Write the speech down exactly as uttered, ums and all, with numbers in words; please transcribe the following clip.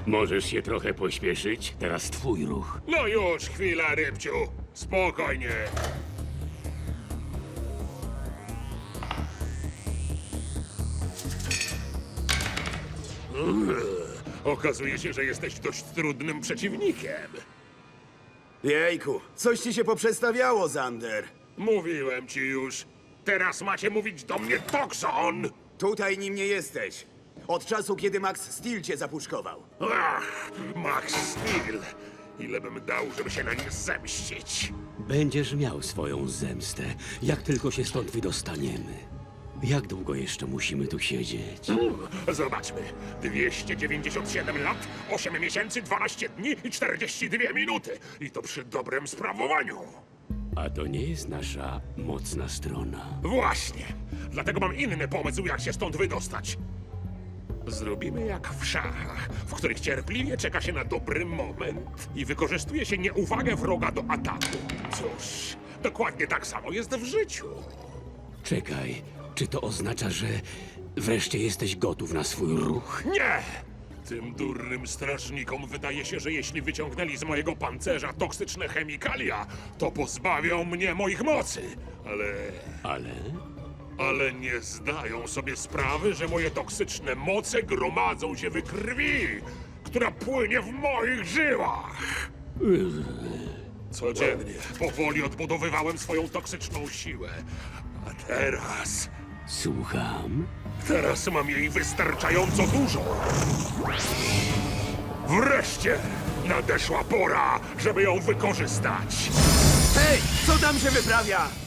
Możesz się trochę pośpieszyć? Teraz twój ruch. No już, chwila, Rybciu. Spokojnie. Mm, Okazuje się, że jesteś dość trudnym przeciwnikiem. Jejku, coś ci się poprzestawiało, Zander. Mówiłem ci już. Teraz macie mówić do mnie Toxon! Tutaj nim nie jesteś. Od czasu, kiedy Max Steel cię zapuszkował. Ach, Max Steel. Ile bym dał, żeby się na nim zemścić? Będziesz miał swoją zemstę, jak tylko się stąd wydostaniemy. Jak długo jeszcze musimy tu siedzieć? Zobaczmy. dwieście dziewięćdziesiąt siedem lat, osiem miesięcy, dwanaście dni i czterdzieści dwie minuty. I to przy dobrym sprawowaniu. A to nie jest nasza mocna strona. Właśnie. Dlatego mam inny pomysł, jak się stąd wydostać. Zrobimy jak w szachach, w których cierpliwie czeka się na dobry moment i wykorzystuje się nieuwagę wroga do ataku. Cóż, dokładnie tak samo jest w życiu. Czekaj, czy to oznacza, że wreszcie jesteś gotów na swój ruch? Nie! Tym durnym strażnikom wydaje się, że jeśli wyciągnęli z mojego pancerza toksyczne chemikalia, to pozbawią mnie moich mocy. Ale... Ale... Ale nie zdają sobie sprawy, że moje toksyczne moce gromadzą się w krwi, która płynie w moich żyłach. Codziennie, powoli odbudowywałem swoją toksyczną siłę. A teraz... Słucham? Teraz mam jej wystarczająco dużo. Wreszcie nadeszła pora, żeby ją wykorzystać. Hej, co tam się wyprawia?